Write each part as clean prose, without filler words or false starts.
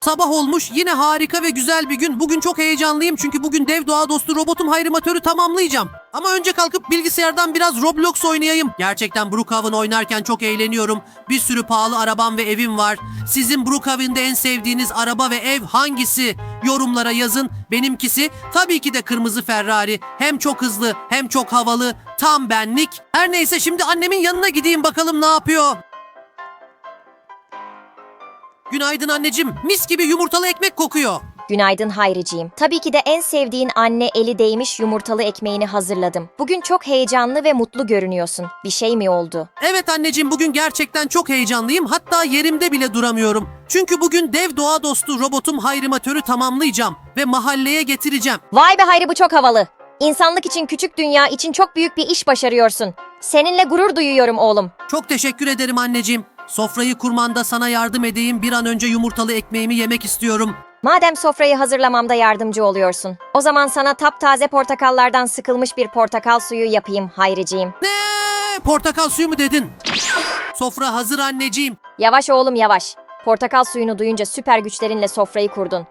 Sabah olmuş, yine harika ve güzel bir gün. Bugün çok heyecanlıyım çünkü bugün dev doğa dostu robotum Hayrimatör'ü tamamlayacağım. Ama önce kalkıp bilgisayardan biraz Roblox oynayayım. Gerçekten Brookhaven oynarken çok eğleniyorum. Bir sürü pahalı arabam ve evim var. Sizin Brookhaven'de en sevdiğiniz araba ve ev hangisi? Yorumlara yazın. Benimkisi tabii ki de kırmızı Ferrari. Hem çok hızlı hem çok havalı. Tam benlik. Her neyse, şimdi annemin yanına gideyim bakalım ne yapıyor. Günaydın anneciğim. Mis gibi yumurtalı ekmek kokuyor. Günaydın Hayriciğim. Tabii ki de en sevdiğin anne eli değmiş yumurtalı ekmeğini hazırladım. Bugün çok heyecanlı ve mutlu görünüyorsun. Bir şey mi oldu? Evet anneciğim, bugün gerçekten çok heyecanlıyım. Hatta yerimde bile duramıyorum. Çünkü bugün dev doğa dostu robotum Hayrimatör'ü tamamlayacağım ve mahalleye getireceğim. Vay be Hayri, bu çok havalı. İnsanlık için, küçük dünya için çok büyük bir iş başarıyorsun. Seninle gurur duyuyorum oğlum. Çok teşekkür ederim anneciğim. Sofrayı kurmanda sana yardım edeyim. Bir an önce yumurtalı ekmeğimi yemek istiyorum. Madem sofrayı hazırlamamda yardımcı oluyorsun, o zaman sana taptaze portakallardan sıkılmış bir portakal suyu yapayım Hayriciğim. Ne? Portakal suyu mu dedin? Sofra hazır anneciğim. Yavaş oğlum yavaş. Portakal suyunu duyunca süper güçlerinle sofrayı kurdun.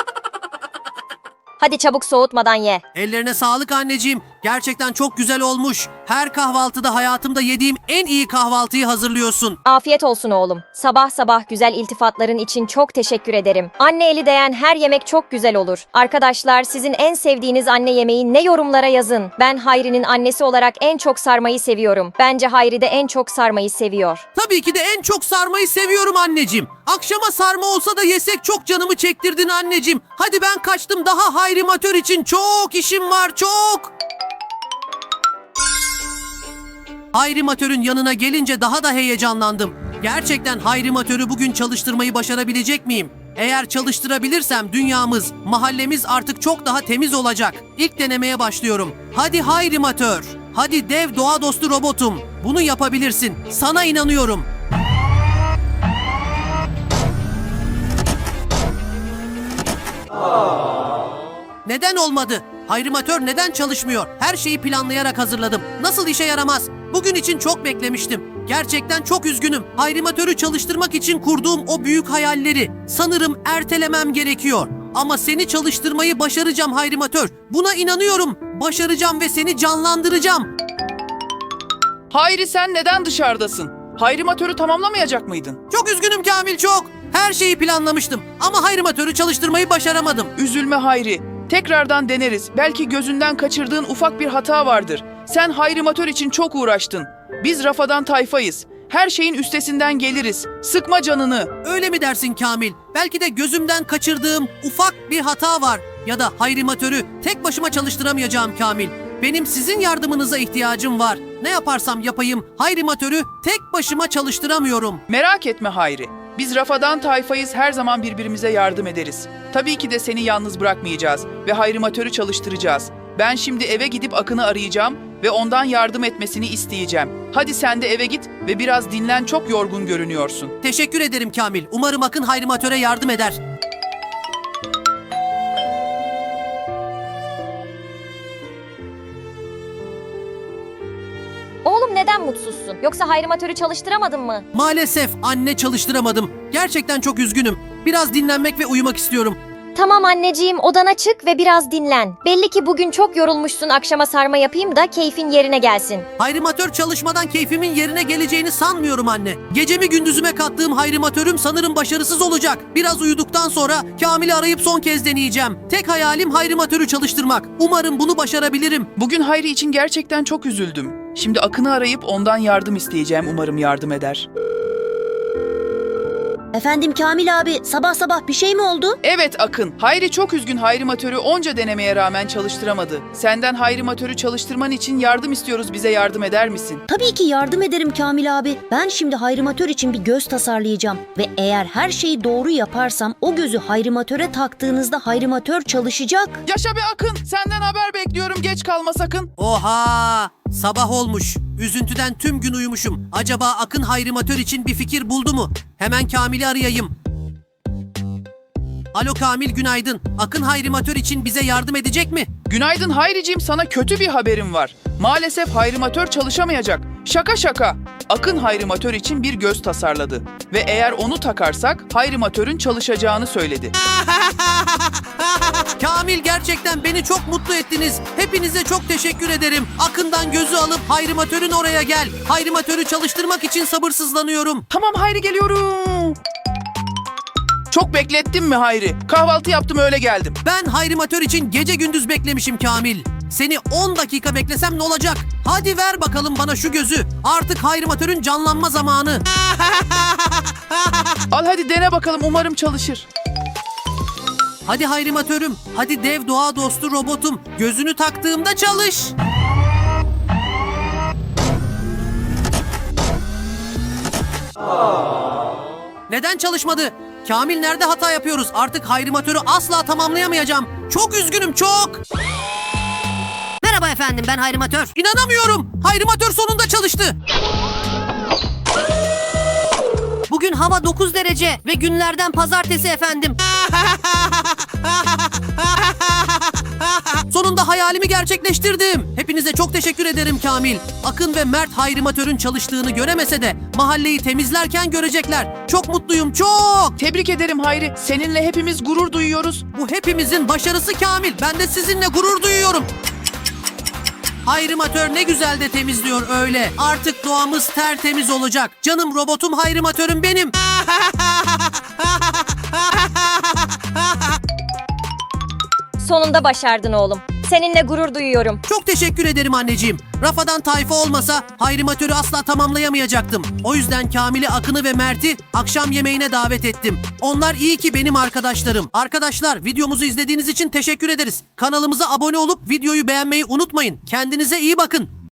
Hadi çabuk, soğutmadan ye. Ellerine sağlık anneciğim. Gerçekten çok güzel olmuş. Her kahvaltıda hayatımda yediğim en iyi kahvaltıyı hazırlıyorsun. Afiyet olsun oğlum. Sabah sabah güzel iltifatların için çok teşekkür ederim. Anne eli değen her yemek çok güzel olur. Arkadaşlar, sizin en sevdiğiniz anne yemeği ne, yorumlara yazın. Ben Hayri'nin annesi olarak en çok sarmayı seviyorum. Bence Hayri de en çok sarmayı seviyor. Tabii ki de en çok sarmayı seviyorum anneciğim. Akşama sarma olsa da yesek, çok canımı çektirdin anneciğim. Hadi ben kaçtım, daha Hayrimatör için çok işim var, çok. Hayrimatör'ün yanına gelince daha da heyecanlandım. Gerçekten Hayrimatör'ü bugün çalıştırmayı başarabilecek miyim? Eğer çalıştırabilirsem dünyamız, mahallemiz artık çok daha temiz olacak. İlk denemeye başlıyorum. Hadi Hayrimatör, hadi dev doğa dostu robotum. Bunu yapabilirsin. Sana inanıyorum. Neden olmadı? Hayrimatör neden çalışmıyor? Her şeyi planlayarak hazırladım. Nasıl işe yaramaz? Bugün için çok beklemiştim. Gerçekten çok üzgünüm. Hayrimatör'ü çalıştırmak için kurduğum o büyük hayalleri sanırım ertelemem gerekiyor. Ama seni çalıştırmayı başaracağım Hayrimatör. Buna inanıyorum. Başaracağım ve seni canlandıracağım. Hayri, sen neden dışarıdasın? Hayrimatör'ü tamamlamayacak mıydın? Çok üzgünüm Kamil, çok. Her şeyi planlamıştım ama Hayrimatör'ü çalıştırmayı başaramadım. Üzülme Hayri. Tekrardan deneriz. Belki gözünden kaçırdığın ufak bir hata vardır. Sen Hayrimatör için çok uğraştın. Biz Rafadan tayfayız. Her şeyin üstesinden geliriz. Sıkma canını. Öyle mi dersin Kamil? Belki de gözümden kaçırdığım ufak bir hata var. Ya da Hayrimatör'ü tek başıma çalıştıramayacağım Kamil. Benim sizin yardımınıza ihtiyacım var. Ne yaparsam yapayım Hayrimatör'ü tek başıma çalıştıramıyorum. Merak etme Hayri. Biz Rafadan tayfayız, her zaman birbirimize yardım ederiz. Tabii ki de seni yalnız bırakmayacağız ve Hayrimatör'ü çalıştıracağız. Ben şimdi eve gidip Akın'ı arayacağım ve ondan yardım etmesini isteyeceğim. Hadi sen de eve git ve biraz dinlen, çok yorgun görünüyorsun. Teşekkür ederim Kamil. Umarım Akın Hayrimatör'e yardım eder. Oğlum, neden mutsuzsun? Yoksa Hayrimatör'ü çalıştıramadın mı? Maalesef anne, çalıştıramadım. Gerçekten çok üzgünüm. Biraz dinlenmek ve uyumak istiyorum. Tamam anneciğim, odana çık ve biraz dinlen. Belli ki bugün çok yorulmuşsun, akşama sarma yapayım da keyfin yerine gelsin. Hayrimatör çalışmadan keyfimin yerine geleceğini sanmıyorum anne. Gecemi gündüzüme kattığım Hayrimatör'üm sanırım başarısız olacak. Biraz uyuduktan sonra Kamil'i arayıp son kez deneyeceğim. Tek hayalim Hayrimatör'ü çalıştırmak. Umarım bunu başarabilirim. Bugün Hayri için gerçekten çok üzüldüm. Şimdi Akın'ı arayıp ondan yardım isteyeceğim. Umarım yardım eder. Efendim Kamil abi, sabah sabah bir şey mi oldu? Evet Akın, Hayri çok üzgün, Hayrimatör'ü onca denemeye rağmen çalıştıramadı. Senden Hayrimatör'ü çalıştırman için yardım istiyoruz, bize yardım eder misin? Tabii ki yardım ederim Kamil abi. Ben şimdi Hayrimatör için bir göz tasarlayacağım. Ve eğer her şeyi doğru yaparsam o gözü Hayrimatör'e taktığınızda Hayrimatör çalışacak. Yaşa be Akın, senden haber bekliyorum, geç kalma sakın. Oha! Sabah olmuş. Üzüntüden tüm gün uyumuşum. Acaba Akın Hayrimatör için bir fikir buldu mu? Hemen Kamil'i arayayım. Alo Kamil, günaydın. Akın Hayrimatör için bize yardım edecek mi? Günaydın Hayriciğim, sana kötü bir haberim var. Maalesef Hayrimatör çalışamayacak. Şaka şaka. Akın hayrimatör için bir göz tasarladı. Ve eğer onu takarsak hayrimatörün çalışacağını söyledi. Kamil, gerçekten beni çok mutlu ettiniz. Hepinize çok teşekkür ederim. Akın'dan gözü alıp hayrimatörün oraya gel. Hayrimatörü çalıştırmak için sabırsızlanıyorum. Tamam Hayri, geliyorum. Çok beklettin mi Hayri? Kahvaltı yaptım, öyle geldim. Ben hayrimatör için gece gündüz beklemişim Kamil. Seni 10 dakika beklesem ne olacak? Hadi ver bakalım bana şu gözü. Artık hayrimatörün canlanma zamanı. Al hadi dene bakalım, umarım çalışır. Hadi hayrimatörüm, hadi dev doğa dostu robotum. Gözünü taktığımda çalış. Neden çalışmadı? Kamil, nerede hata yapıyoruz? Artık hayrimatörü asla tamamlayamayacağım. Çok üzgünüm, çok. Merhaba efendim, ben hayrimatör. İnanamıyorum. Hayrimatör sonunda çalıştı. Bugün hava 9 derece ve günlerden pazartesi efendim. Sonunda hayalimi gerçekleştirdim. Hepinize çok teşekkür ederim Kamil. Akın ve Mert hayrimatörün çalıştığını göremese de mahalleyi temizlerken görecekler. Çok mutluyum, çok. Tebrik ederim Hayri. Seninle hepimiz gurur duyuyoruz. Bu hepimizin başarısı Kamil. Ben de sizinle gurur duyuyorum. Hayrimatör ne güzel de temizliyor öyle. Artık doğamız tertemiz olacak. Canım robotum hayrimatörüm benim. Sonunda başardın oğlum. Seninle gurur duyuyorum. Çok teşekkür ederim anneciğim. Rafadan tayfa olmasa hayrimatörü asla tamamlayamayacaktım. O yüzden Kamil'i, Akın'ı ve Mert'i akşam yemeğine davet ettim. Onlar iyi ki benim arkadaşlarım. Arkadaşlar, videomuzu izlediğiniz için teşekkür ederiz. Kanalımıza abone olup videoyu beğenmeyi unutmayın. Kendinize iyi bakın.